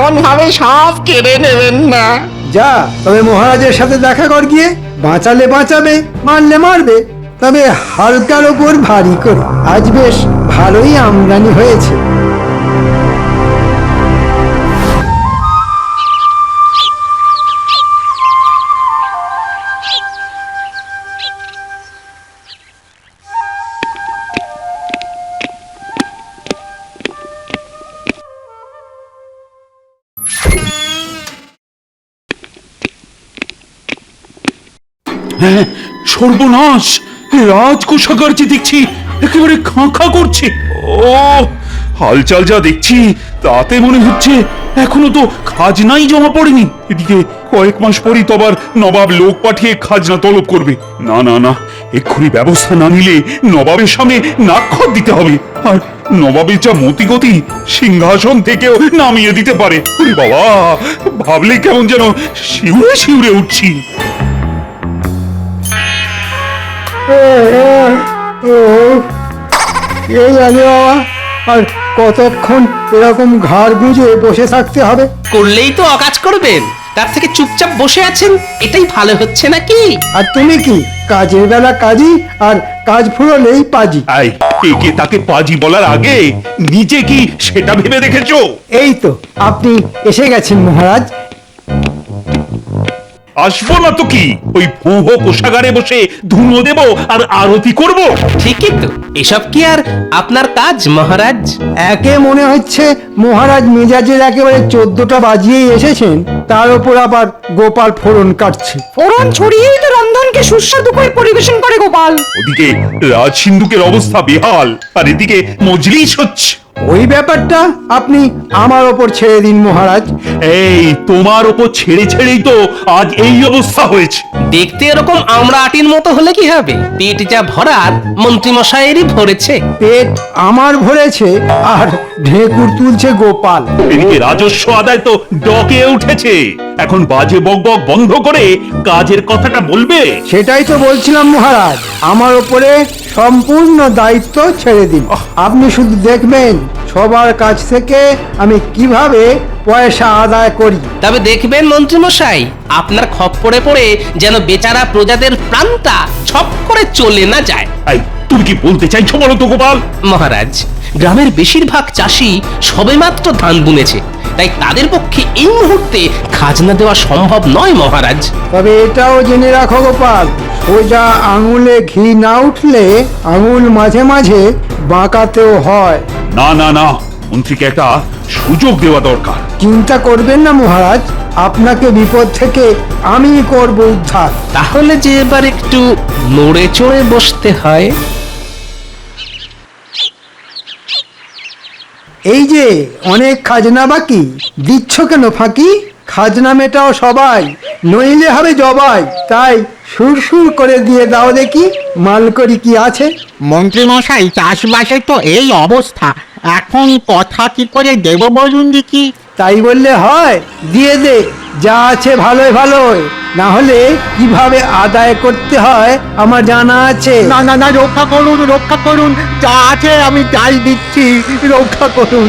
এমন ভাবে সব কেড়ে নেবেন না। যা, তবে মহারাজের সাথে দেখা কর গিয়ে। বাঁচালে বাঁচাবে, মারলে মারবে, তবে হালকার ওপর ভারী করে। আজ বেশ ভালোই আমদানি হয়েছে। হ্যাঁ, সর্বনাশ! রাজকোষাগার যে দেখছি একেবারে খাঁ খাঁ করছে। ও, হালচাল যা দেখছি তাতে মনে হচ্ছে এখনো তো খাজনাই জমা পড়েনি। এদিকে কয়েক মাস পরই তো আবার নবাব লোক পাঠিয়ে খাজনা তলব করবে। না না না, এক্ষুনি ব্যবস্থা না নিলে নবাবের সামনে নাক্ষর দিতে হবে। আর নবাবের যা মতিগতি, সিংহাসন থেকেও নামিয়ে দিতে পারে। ওরে বাবা, ভাবলে কেমন যেন শিউরে শিউরে উঠছি। এই জানি বাবা, আর কতক্ষণ এরকম ঘাড় গুঁজে বসে থাকতে হবে? করলেই তো অকাজ করবেন, তার থেকে চুপচাপ বসে আছেন এটাই ভালো হচ্ছে নাকি? আর তুমি কি কাজের বেলা কাজী, আর কাজ ফুরলেই পাজি। আই, একে তাকে পাজি বলার আগে নিজে কি সেটা ভেবে দেখেছো? এই তো আপনি এসে গেছেন মহারাজ। আসবো না তো কি, ওই ভোঁ কোষাগারে বসে ধুনো দেব আর আরতি করব। ঠিকই তো, এসব কি আর আপনার কাজ মহারাজ? একে মনে হচ্ছে মহারাজ মেজাজের একেবারে 14টা বাজিয়েই এসেছেন, তার উপর আবার গোপাল ফোড়ন কাটছে। ফোড়ন ছড়িয়েই তো রন্ধনকে সুস্বাদু করে পরিবেশন করে গোপাল। ওদিকে রাজ সিন্ধুকের অবস্থা বেহাল, আর এদিকে মজলিস হচ্ছে। ওই ব্যাপারটা আপনি আমার ওপর ছেড়ে দিন মহারাজ। এই তোমার ওপর ছেড়ে ছেড়েই তো আজ এই অবস্থা হয়েছে। দেখতে এরকম আমরা আটির মতো হলে কি হবে? পেট যা ভরার মন্ত্রী মশাইয়েরই ভরেছে। পেট আমার ভরেছে, আর ঢেকুর তুলছে গোপাল। এদিকে রাজস্ব আদায় তো ডকে উঠেছে। এখন বাজে বকবক বন্ধ করে কাজের কথাটা বলবে। সেটাই তো বলছিলাম মহারাজ, আমার ওপরে সম্পূর্ণ দায়িত্ব ছেড়ে দিন। আপনি শুধু দেখবেন সবার কাছ থেকে আমি কিভাবে পয়সা আদায় করি। তবে দেখবেন মন্ত্রী মশাই, আপনার খপ্পরে পড়ে যেন বেচারা প্রজাদের প্রাণটা ছপ করে চলে না যায়। এই, তুমি কি বলতে চাইছো বলো তো গোপাল? মহারাজ, গ্রামের বেশিরভাগ চাষি সবেমাত্র ধান বুনেছে, তাই তাদের পক্ষে এই মুহূর্তে খাজনা দেওয়া সম্ভব নয় মহারাজ। তবে এটাও জেনে রাখো গোপাল, সোজা আঙুলে ঘি না উঠলে আঙুল মাঝে মাঝে বাঁকাতেও হয়। না না না, মন্ত্রীকে একটা সুযোগ দেওয়া দরকার। চিন্তা করবেন না মহারাজ, আপনাকে বিপদ থেকে আমি করব উদ্ধার। তাহলে যে এবার একটু নড়ে চড়ে বসতে হয়। এই যে অনেক খাজনা বাকি, দিচ্ছ কেন ফাঁকি? খাজনা মেটাও সবাই, নইলে হবে জবাই। তাই সুরসুর করে দিয়ে দাও দেখি, মালকড়ি কি আছে। মন্ত্রী মশাই, চাষবাসে তো এই অবস্থা, এখন কথা কি করে দেব বলুন দেখি? তাই বললে হয়? দিয়ে দে, যা আছে ভালোই ভালোই, না হলে কিভাবে আদায় করতে হয় আমার জানা আছে। না না না, রক্ষা করুন, রক্ষা করুন, যা আছে আমি তাই দিচ্ছি, রক্ষা করুন।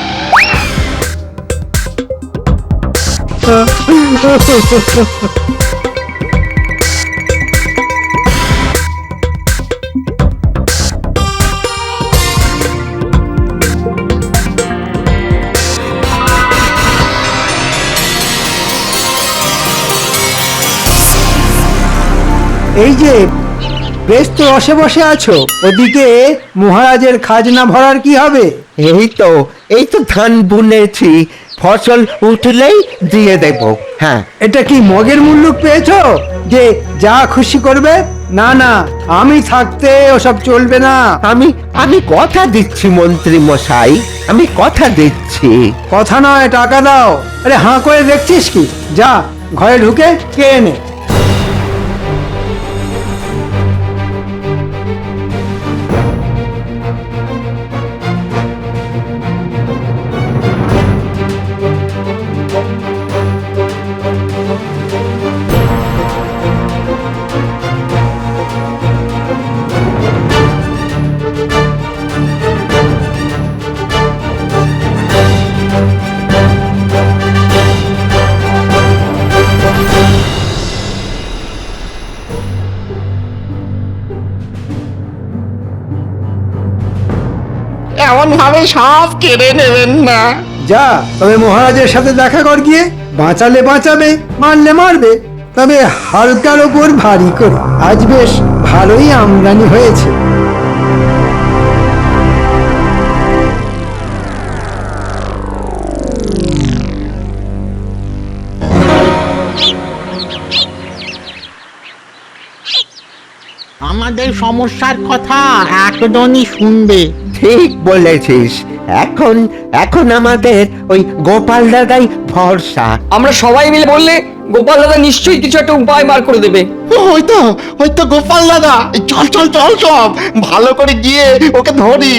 এই যে বেশ তো রসে বসে আছো, ওদিকে মহারাজের খাজনা ভরার কি হবে? এই তো ধান বুনেছি, ফসল উঠলেই দিয়ে দেব। হ্যাঁ, এটা কি মগের মুল্লুক পেয়েছো যে যা খুশি করবে? না না, আমি থাকতে ওসব চলবে না। আমি আমি কথা দিচ্ছি মন্ত্রী মশাই, আমি কথা দিচ্ছি। কথা নয়, টাকা দাও। আরে হাঁ করে দেখছিস কি? যা ঘরে ঢুকে কে এনে। এমন ভাবে সব কেড়ে নেবেন না। যা, তবে মহারাজের সাথে দেখা কর গিয়ে। বাঁচালে বাঁচাবে, মারলে মারবে, তবে হালকার ওপর ভারী করে। আজ বেশ ভালোই আমদানি হয়েছে। আমাদের সমস্যার কথা একজনই শুনবে। ঠিক বলেছিস। এখন এখন আমাদের ওই গোপাল দাদাই ভরসা। আমরা সবাই মিলে বললে গোপাল দাদা নিশ্চয়ই কিছু একটা উপায় বার করে দেবে। হয়তো গোপাল দাদা, চল চল চল সব ভালো করে গিয়ে ওকে ধরি।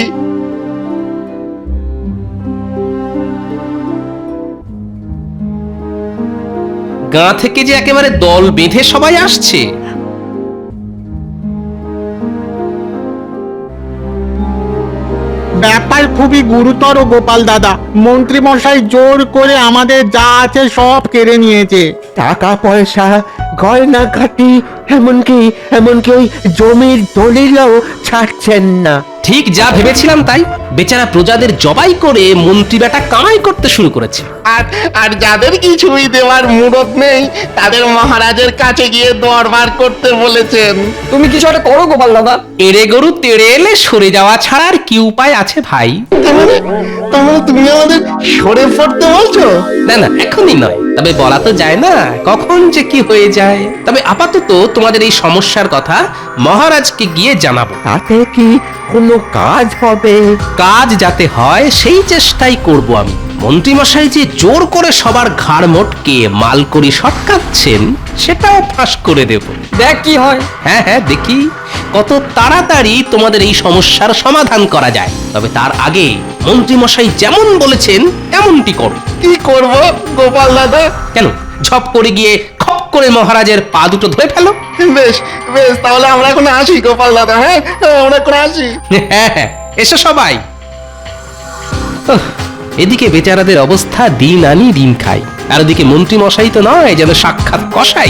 গাঁ থেকে যে একেবারে দল বেঁধে সবাই আসছে। ব্যাপার খুবই গুরুতর গোপাল দাদা। মন্ত্রী মশাই জোর করে আমাদের যা আছে সব কেড়ে নিয়েছে। টাকা পয়সা, গয়নাঘাটি, এমনকি এমনকি ওই জমির দলিলও ছাড়ছেন না। ঠিক যা ভেবেছিলাম তাই। বেচারা প্রজাদের জবাই করে মন্ত্রী বেটা কামাই করতে শুরু করেছে। আর যাদের কিছুই দেওয়ার মুরত নেই তাদের মহারাজের কাছে গিয়ে দরবার করতে বলেছেন। তুমি কিছু একটা করো গোপাল দাদা। এড়ে গরু তেড়ে এলে সরে যাওয়া ছাড়া আর কি উপায় আছে ভাই? তার মানে তুমি আমাদের সরে পড়তে বলছো? না না, এখনই নয়, তবে বলা তো যায় না কখন যে কি হয়ে যায়। তবে আপাতত তোমাদের এই সমস্যার কথা মহারাজকে গিয়ে জানাবো। তাতে কি কোনো কাজ হবে? কাজ যাতে হয় সেই চেষ্টাই করব আমি। মন্ত্রীমশাই যে জোর করে সবার ঘাড় মোটকে মালকড়ি সটকাচ্ছেন সেটাও ফাঁস করে দেব। দেখ কি হয়। হ্যাঁ হ্যাঁ, দেখি কত তাড়াতাড়ি তোমাদের এই সমস্যার সমাধান করা যায়। তবে তার আগে মন্ত্রীমশাই যেমন বলেছেন তেমনটি করো। কি করব গোপাল দাদা? কেন, ঝপ করে গিয়ে খপ করে মহারাজের পা দুটো ধরে ফেলো। বেশ বেশ, তাহলে আমরা এখন আসি গোপাল দাদা। হ্যাঁ, আমরা এখন আসি। হ্যাঁ হ্যাঁ, এসো সবাই। উফ, এদিকে বেচারাদের অবস্থা দিন আনি দিন খাই, আর ওদিকে মন্ত্রী মশাই তো নয় যেন সাক্ষাৎ কসাই।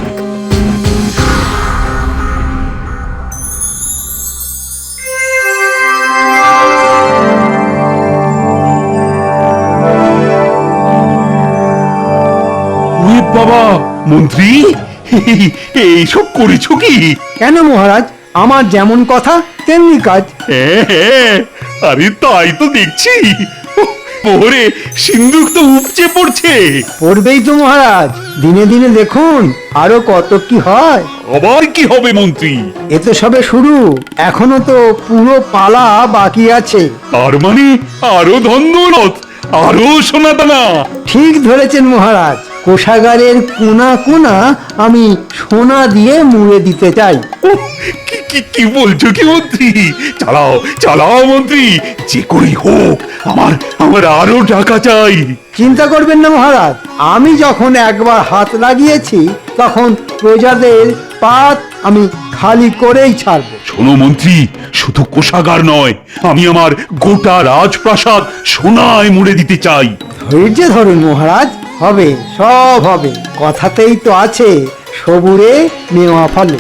ওরে বাবা, মন্ত্রী এইসব করেছো কি? কেন মহারাজ, আমার যেমন কথা তেমনি কাজ। হ্যাঁ, আরে তাই তো দেখছি। পরে সিন্ধুক তো উপচে পড়ছে। পড়বেই তো মহারাজ, দিনে দিনে দেখুন আরো কত কি হয়। আবার কি হবে মন্ত্রী? এ তো সবে শুরু, এখনো তো পুরো পালা বাকি আছে। তার মানে আরো ধন দৌলত, আরো সোনা দানা। ঠিক ধরেছেন মহারাজ, কোষাগারের কোনা কোনা আমি সোনা দিয়ে মুড়ে দিতে চাই। উহ, কি বলছো কি মন্ত্রী? চালাও চালাও মন্ত্রী, যে করেই হোক আমার আরো টাকা চাই। চিন্তা করবেন না মহারাজ, আমি যখন একবার হাত লাগিয়েছি তখন প্রজাদের পাত আমি খালি করেই ছাড়বো। শোনো মন্ত্রী, শুধু কোষাগার নয়, আমি আমার গোটা রাজপ্রাসাদ সোনায় মুড়ে দিতে চাই। ধৈর্য ধরুন মহারাজ, হবে সব হবে। কথাতেই তো আছে সবুরে নেওয়া ফলে।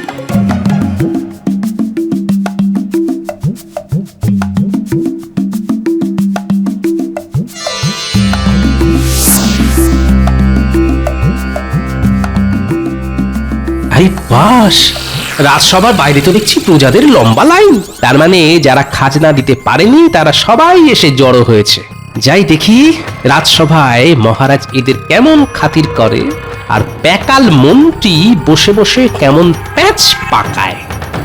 আরে বাস, রাজসভার বাইরে তো দেখছি প্রজাদের লম্বা লাইন। তার মানে যারা খাজনা দিতে পারেনি তারা সবাই এসে জড়ো হয়েছে। যাই দেখি রাজসভায় মহারাজ এদের কেমন খাতির করে, আর প্যাকাল মন্ত্রী বসে বসে কেমন প্যাচ পাকায়।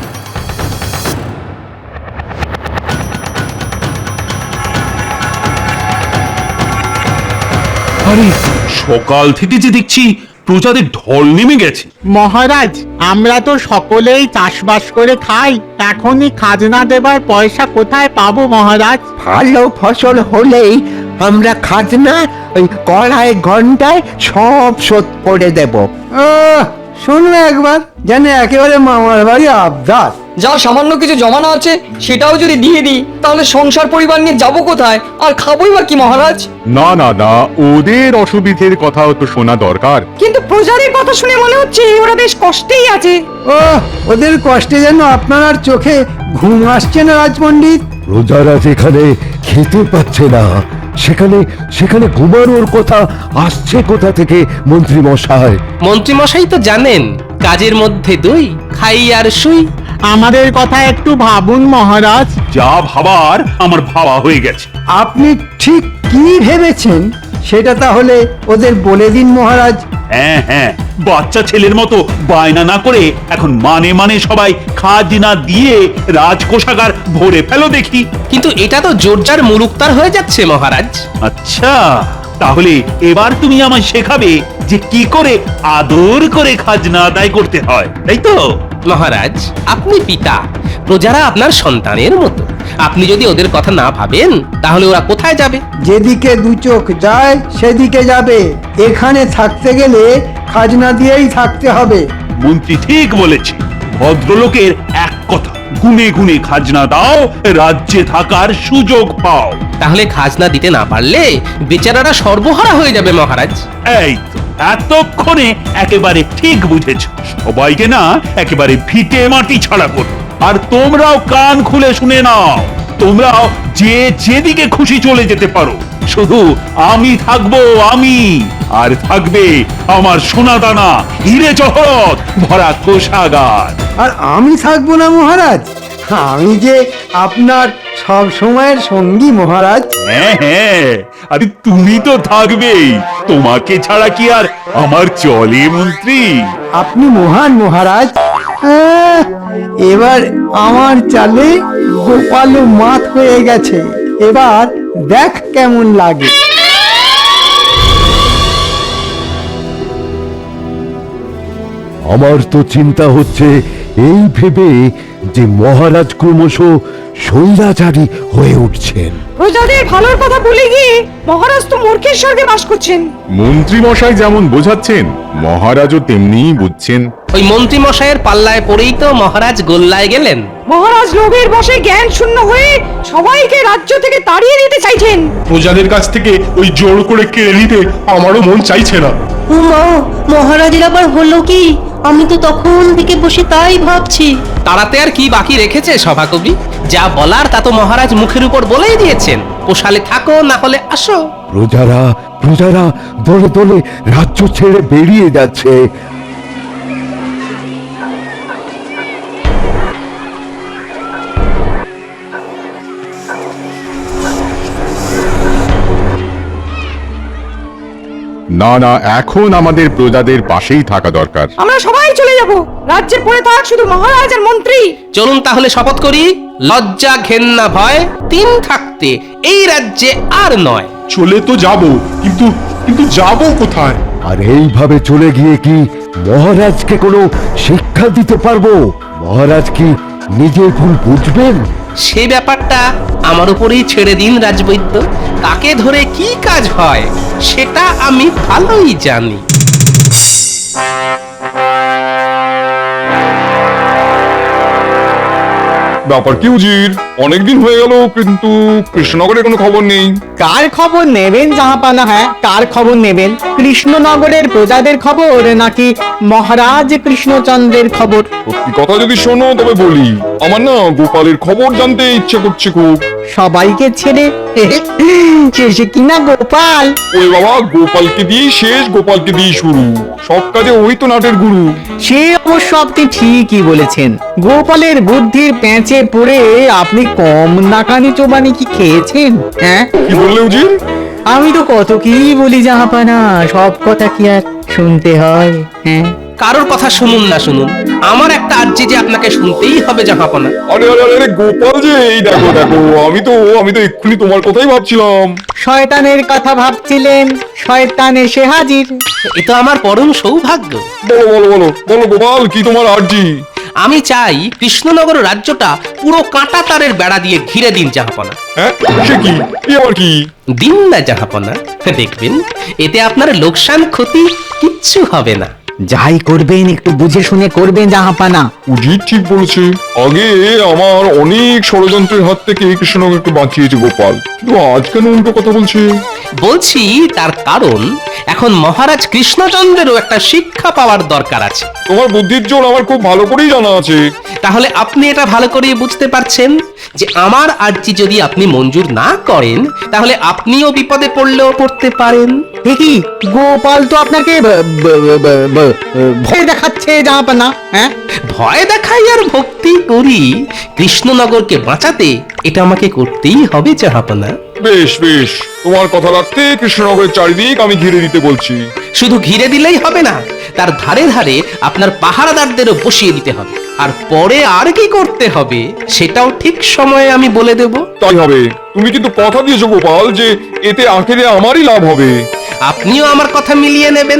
আরে সকাল থেকে যে দেখছি প্রজাদের ঢল নেমে গেছে। মহারাজ, আমরা তো সকলেই চাষবাস করে খাই, এখনই খাজনা দেবার পয়সা কোথায় পাবো মহারাজ? ভালো ফসল হলেই আমরা খাজনা ওই কড়াই ঘন্টায় সব শোধ করে দেব। শুনলে একবার, যেন একেবারে মামার বাড়ি আবদার। যা সামান্য কিছু জমানো আছে সেটাও যদি দিয়ে দিই তাহলে সংসার পরিবার নিয়ে যাবো কোথায়, আর খাবোই বা কি মহারাজ? না না না, ওদের অসুবিধের কথাও তো শোনা দরকার। কিন্তু প্রজাদের কথা শুনে মনে হচ্ছে ওরা বেশ কষ্টেই আছে। ও, ওদের কষ্টে যেন আপনার আর চোখে ঘুম আসছে না রাজপণ্ডিত। প্রজারা যেখানে খেতে পাচ্ছে না সেখানে সেখানে ঘুমানোর কথা আসছে কোথা থেকে মন্ত্রী মশাই? মন্ত্রী মশাই তো জানেন, কাজের মধ্যে দুই, খাই আর শুই। আমাদের কথা একটু ভাবুন মহারাজ। যা ভাবার আমার ভাবা হয়ে গেছে। আপনি ঠিক কি ভেবেছেন সেটা তাহলে ওদের বলে দিন মহারাজ। হ্যাঁ হ্যাঁ, বাচ্চা ছেলের মতো বায়না না করে এখন মানে মানে সবাই খাজনা দিয়ে রাজকোষাগার ভরে ফেলো দেখি। কিন্তু এটা তো জোরজার মুলুকতার হয়ে যাচ্ছে মহারাজ। আচ্ছা, তাহলে এবার তুমি আমায় শেখাবে যে কি করে আদর করে খাজনা আদায় করতে হয়, তাই তো? মহারাজ, আপনি পিতা, প্রজারা আপনার সন্তানের মতো। আপনি যদি ওদের কথা না ভাবেন তাহলে ওরা কোথায় যাবে? যেদিকে দু চোখ যায় সেদিকে যাবে। এখানে থাকতে গেলে খাজনা দিয়েই থাকতে হবে। মন্ত্রী ঠিক বলেছে। ভদ্রলোকের এক কথা, গুনে গুনে খাজনা দাও, রাজ্যে থাকার সুযোগ পাও। তাহলে খাজনা দিতে না পারলে বেচারারা সর্বহারা হয়ে যাবে মহারাজ। এই তো এতক্ষণে একেবারে ঠিক বুঝেছ। সবাইকে না একেবারে ভিটে মাটি ছাড়া করো। আর তোমরাও কান খুলে শুনে নাও, তোমরাও যে যেদিকে খুশি চলে যেতে পারো, শুধু আমি থাকবো, আমি। আর থাকবে আমার সোনাদানা হিরে জহরত ভরা কোষাগার। আর আমি থাকবো না মহারাজ? আমি যে আপনার সব সময়ের সঙ্গী মহারাজ। হ্যাঁ হ্যাঁ, আরে তুমি তো থাকবেই। তোমাকে ছাড়া কি আর আমার চলে মন্ত্রী? আপনি মহান মহারাজ। এবার আমার চালে গোপালও মাত হয়ে গেছে। এবার দেখ কেমন লাগে। আমার তো চিন্তা হচ্ছে এই ভেবে যে মহারাজ ক্রমশ স্বৈরাচারী হয়ে উঠছেন। প্রজাদের ভালোর কথা ভুলে গিয়ে মহারাজ তো মূর্খের স্বর্গে বাস করছেন। মন্ত্রী মশাই যেমন বোঝাচ্ছেন মহারাজও তেমনিই বুঝছেন। ওই মন্ত্রী মশাইয়ের পাল্লায় পড়েই তো মহারাজ গোল্লায় গেলেন। মহারাজ লোভের বশে জ্ঞান শূন্য হয়ে সবাইকে রাজ্য থেকে তাড়িয়ে দিতে চাইছেন। প্রজাদের কাছ থেকে ওই জোর করে কেড়ে নিতে আমারও মন চাইছে না। মা, মহারাজের আবার হলো কি? আমি তো তখন থেকে বসে তাই ভাবছি। তাড়াতে আর কি বাকি রেখেছে সভাকবি? যা বলার তা তো মহারাজ মুখের উপর বলেই দিয়েছেন। পোষালে থাকো, না হলে আসো। প্রজারা প্রজারা দলে দলে রাজ্য ছেড়ে বেরিয়ে যাচ্ছে। না না, এখন আমাদের প্রজাদের পাশেই থাকা দরকার। আমরা সবাই চলে যাব। রাজ্যে পড়ে থাক শুধু মহারাজ আর মন্ত্রী। চলুন তাহলে শপথ করি, লজ্জা ঘেন্না ভয় তিন থাকতে এই রাজ্যে আর নয়। চলে তো যাব, কিন্তু কিন্তু যাব কোথায়? আর এইভাবে চলে গিয়ে কি মহারাজকে কোনো শিক্ষা দিতে পারবো? মহারাজ কি নিজের ভুল বুঝবেন? সে ব্যাপারটা আমার উপরেই ছেড়ে দিন রাজবৈদ্য। তাকে ধরে কি কাজ হয় সেটা আমি ভালোই জানি। ব্যাপার কি উজির? অনেকদিন হয়ে গেল কিন্তু কৃষ্ণনগরের কোনো খবর নেই। কার খবর নেবেন জাহাপানা? হ্যাঁ, কার খবর নেবেন? কৃষ্ণনগরের প্রজাদের খবর নাকি মহারাজ কৃষ্ণচন্দ্রের খবর? সত্যি কথা যদি শোনো তবে বলি, আমার না গোপালের খবর জানতে ইচ্ছে করছে খুব। সবাইকে ছেড়ে শেষে কিনা গোপাল? ওই বাবা, গোপালকে দিয়েই শেষ, গোপালকে দিয়েই শুরু। সব কাজে ওই তো নাটের গুরু। সে অবশ্য আপনি ঠিকই বলেছেন। গোপালের বুদ্ধির প্যাঁচে পড়ে আপনি কম নাকানি চোবানি কি খেয়েছেন? হ্যাঁ, কি বললে উজির? আমি তো কত কি বলি জাহাপানা, সব কথা কি আর শুনতে হয়? হ্যাঁ, কারোর কথা শুনুন না শুনুন, আমার একটা আর্জি যে আপনাকে শুনতেই হবে জাহাপনা। আরে আরে আরে গোপাল যে, এই দেখো দেখো, আমি তো এক্ষুনি তোমার কথাই ভাবছিলাম। শয়তানের কথা ভাবছিলেন, শয়তান এসে হাজির। এ তো আমার পরম সৌভাগ্য। বলো বলো বলো বলো গোপাল, কি তোমার আর্জি? আমি চাই কৃষ্ণনগর রাজ্যটা পুরো কাঁটা তারের বেড়া দিয়ে ঘিরে দিন জাহাপনা। হ্যাঁ, সে কি? এ আবার কি? দিন না জাহাপনা, দেখবেন এতে আপনার লোকসান ক্ষতি কিচ্ছু হবে না। যাই করবেন একটু বুঝে শুনে করবেন জাহাপানা। উজির ঠিক বলেছে। আগে আমার অনেক ষড়যন্ত্রের হাত থেকে কৃষ্ণনগরকে বাঁচিয়েছে গোপাল, কিন্তু আজ কেন উল্টো কথা বলছে? বলছি তার কারণ এখন মহারাজ কৃষ্ণচন্দ্রেরও একটা শিক্ষা পাওয়ার দরকার আছে। তোমার বুদ্ধির জোর আমার খুব ভালো করেই জানা আছে। তাহলে আপনি এটা ভালো করে বুঝতে পারছেন যে আমার আর্জি যদি আপনি মঞ্জুর না করেন তাহলে আপনিও বিপদে পড়লেও পড়তে পারেন। দেখি গোপাল তো আপনাকে ভয় দেখাচ্ছে জাহাপানা। হ্যাঁ, ভয় দেখাই আর ভক্তি করি কৃষ্ণনগরকে বাঁচাতে, এটা আমাকে করতেই হবে জাহাপনা। বেশ বেশ, তোমার কথা রাখতে কৃষ্ণনগরের চারিদিক আমি ঘিরে দিতে বলছি। শুধু ঘিরে দিলেই হবে না, তার ধারে ধারে আপনার পাহারাদারদেরও বসিয়ে দিতে হবে। আর পরে আর কি করতে হবে সেটাও ঠিক সময়ে আমি বলে দেব। তাই হবে। তুমি কিন্তু কথা দিয়েছো গোপাল যে এতে আখেরে আমারই লাভ হবে। আপনিও আমার কথা মিলিয়ে নেবেন।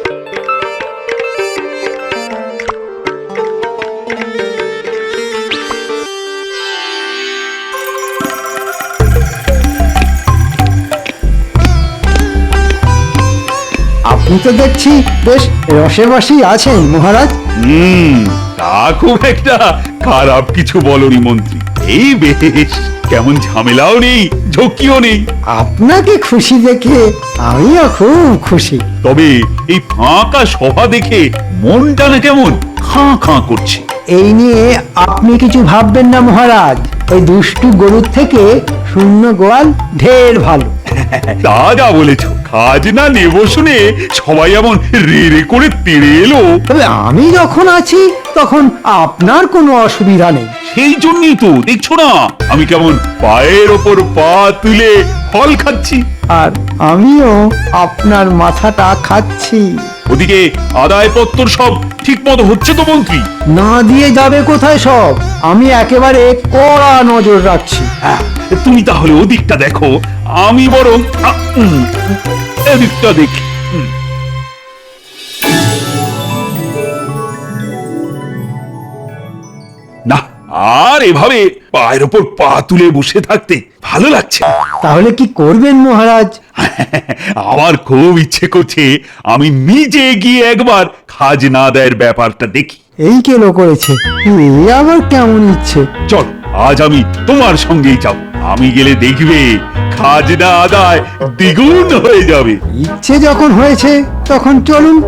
আপনি তো দেখছি বেশ রসেবাসী আছেন মহারাজ। তা খুব একটা খারাপ কিছু বলনি মন্ত্রী। এই বেশ, কেমন ঝামেলাও নেই, ঝক্কিও নেই। আপনাকে খুশি দেখে আমিও খুব খুশি। তবে এই ফাঁকা সভা দেখে মনটা না কেমন খাঁ খাঁ করছে। এই নিয়ে আপনি কিছু ভাববেন না মহারাজ, ওই দুষ্টু গরুর থেকে শূন্য গোয়াল ঢের ভালো। তা যা বলেছ, খাজনা নেব শুনে সবাই এমন রে রে করে তেড়ে এলো। তবে আমি যখন আছি তখন আপনার কোনো অসুবিধা নেই। সেই জন্যই তো দেখছো না আমি কেমন পায়ের ওপর পা তুলে ফল খাচ্ছি। আর আমিও আপনার মাথাটা খাচ্ছি। ওদিকে আদায়পত্র সব ঠিক মতো হচ্ছে তো মন্ত্রী? না দিয়ে যাবে কোথায় সব, আমি একেবারে কড়া নজর রাখছি। হ্যাঁ, তুমি তাহলে ওদিকটা দেখো, আমি বরং এদিকটা দেখি। না, আর এভাবে পায়ের ওপর পা তুলে বসে থাকতে ভালো লাগছে না। তাহলে কি করবেন মহারাজ? আমার খুব ইচ্ছে করছে আমি নিজে গিয়ে একবার খাজনা আদায়ের ব্যাপারটা দেখি। এই কেন করেছে, এই আবার কেমন ইচ্ছে? চল, আজ আমি তোমার সঙ্গেই যাব। আমি গেলে দেখবে খাজনা আদায় দ্বিগুণ হয়ে যাবে। ইচ্ছে যখন হয়েছে তখন চলুন।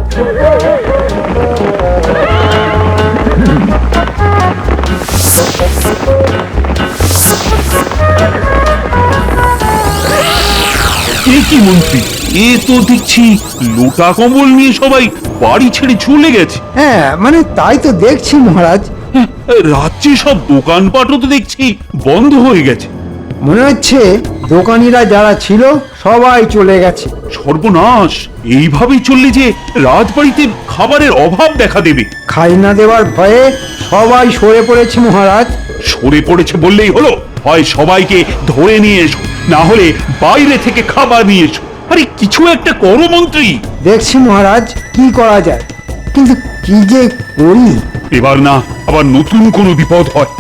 এ কি মন্ত্রী, এ তো দেখছি লোটা কম্বল নিয়ে সবাই বাড়ি ছেড়ে চলে গেছে। হ্যাঁ, মানে তাই তো দেখছি মহারাজ। রাত্রি সব দোকানপাটও তো দেখছি বন্ধ হয়ে গেছে। মনে হচ্ছে দোকানিরা যারা ছিল সবাই চলে গেছে। সর্বনাশ, এইভাবেই চললে যে রাজবাড়িতে খাবারের অভাব দেখা দেবে। খাজনা দেওয়ার ভয়ে সবাই সরে পড়েছে মহারাজ। সরে পড়েছে বললেই হলো? হয় সবাইকে ধরে নিয়ে এসো, না হলে বাইরে থেকে খাবার নিয়ে এসো। আরে কিছু একটা করো মন্ত্রী। দেখছি মহারাজ কি করা যায়, কিন্তু কি যে করি। এবার না আবার নতুন কোনো বিপদ হয়।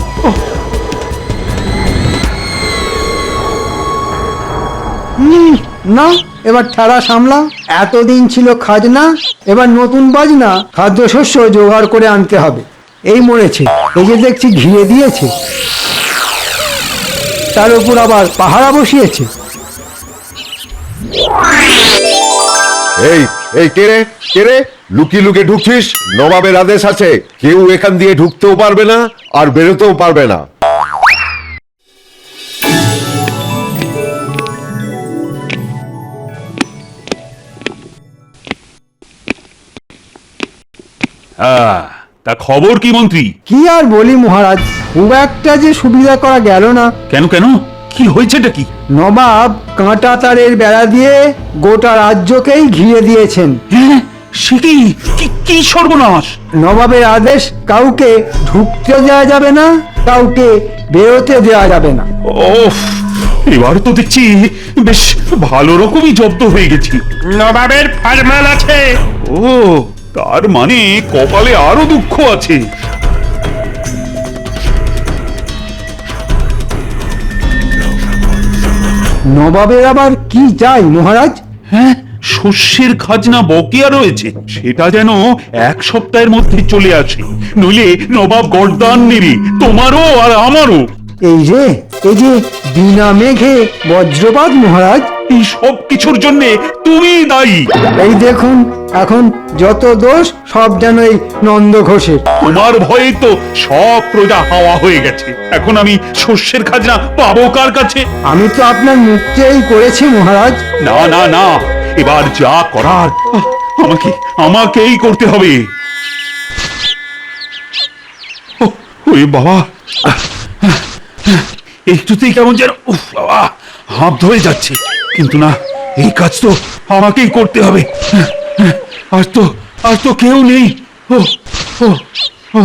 না, এবার ঠাড়া সামলা। এতদিন ছিল খাজনা, এবার নতুন বাজনা, খাদ্যশস্য জোগাড় করে আনতে হবে। এই মরেছে, এই যে দেখছি ঘিরে দিয়েছে, তার উপর আবার পাহারা বসিয়েছে। এই এই কে রে, কে রে? লুকিয়ে লুকিয়ে ঢুকছিস? নবাবের আদেশ আছে, কেউ এখান দিয়ে ঢুকতেও পারবে না আর বেরোতেও পারবে না। তা খবর কি মন্ত্রী? কি আর বলি মহারাজ, খুব একটা যে সুবিধা করা গেল না। কেন কেন, কি হয়েছেটা কি? নবাব কাঁটা তারের বেড়া দিয়ে গোটা রাজ্যকেই ঘিরে দিয়েছেন। হ্যাঁ, সে কি কি সর্বনাশ! নবাবের আদেশ, কাউকে ঢুকতে দেওয়া যাবে না, কাউকে বেরোতে দেওয়া যাবে না। ওফ, এবার তো দেখছি বেশ ভালো রকমই জব্দ হয়ে গেছি। নবাবের ফরমান আছে। ও, তার মানে কপালে আরো দুঃখ আছে। নবাবের আবার কি চাই মহারাজ? হ্যাঁ, শস্যের খাজনা বকেয়া রয়েছে, সেটা যেন 1 সপ্তাহের মধ্যে চলে আসে, নইলে নবাব গর্দান নেবে, তোমারও আর আমারও। এই যে বিনা মেঘে বজ্রপাত মহারাজ। এই সব কিছুর জন্য তুমি দায়ী। এই দেখুন এখন যত দোষ সব যেন এই নন্দ ঘোষের। তোমার ভয়ে তো সব প্রজা হাওয়া হয়ে গেছে। এখন আমি শস্যের খাজনা পাবো কার কাছে? আমি তো আপনার মুখ চেয়েই করেছি মহারাজ। না না না, এবার যা করার আমাকেই করতে হবে। ওরে বাবা, একটুতেই কেমন যেন উফ বাবা হাঁপ ধরে যাচ্ছে, কিন্তু না, এই কাজ তো আমাকেই করতে হবে। আজ তো কেউ নেই। ও ও ও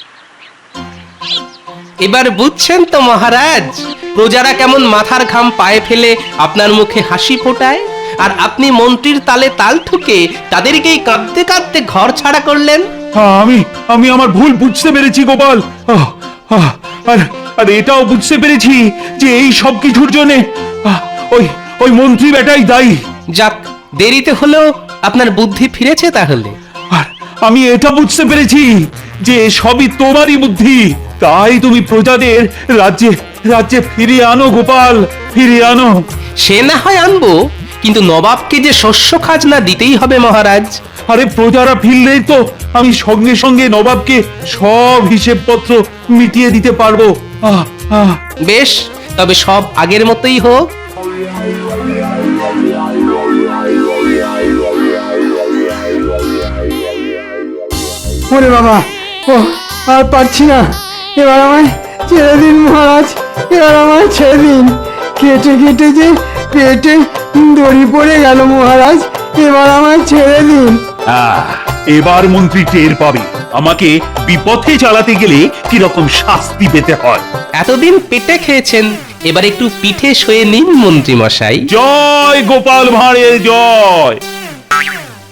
এবার বুঝছেন তো মহারাজ, প্রজারা কেমন মাথার ঘাম পায়ে ফেলে আপনার মুখে হাসি ফোটায়, আর আপনি মন্ত্রীর তালে তাল ঠুকে তাদেরকেই কাঁদতে কাঁদতে ঘর ছাড়া করলেন। আমি আমার ভুল বুঝতে পেরেছি গোপাল। আর এটাও বুঝতে পেরেছি যে এই সব কিছুর জন্য ওই মন্ত্রী বেটাই দায়ী। যাক, দেরিতে হলেও আপনার বুদ্ধি ফিরেছে তাহলে। আর আমি এটা বুঝতে পেরেছি যে সবই তোমারই বুদ্ধি, তাই তুমি প্রজাদের রাজ্যে ফিরিয়ে আনো গোপাল, ফিরিয়ে আনো। সে না হয় আনবো, কিন্তু নবাবকে যে শস্য খাজনা দিতেই হবে মহারাজ। আরে প্রজারা ফিরলেই তো আমি সঙ্গে সঙ্গে নবাবকে সব হিসেবপত্র মিটিয়ে দিতে পারবো। বেশ, তবে সব আগের মতোই হোক। ওরে বাবা, ও আর পারছি না, এবার আমায় ছেড়ে দিন মহারাজ, এবার আমায় ছেড়ে দিন। কেটে কেটে যে পেটে দড়ি পড়ে গেল মহারাজ, এবার আমায় ছেড়ে দিন। এবার মন্ত্রী টের পাবে আমাকে বিপথে চালাতে গেলে কিরকম শাস্তি পেতে হয়। এতদিন পেটে খেয়েছেন, এবার একটু পিঠে শুয়ে নিন মন্ত্রী মশাই। জয় গোপাল ভাঁড়ের জয়।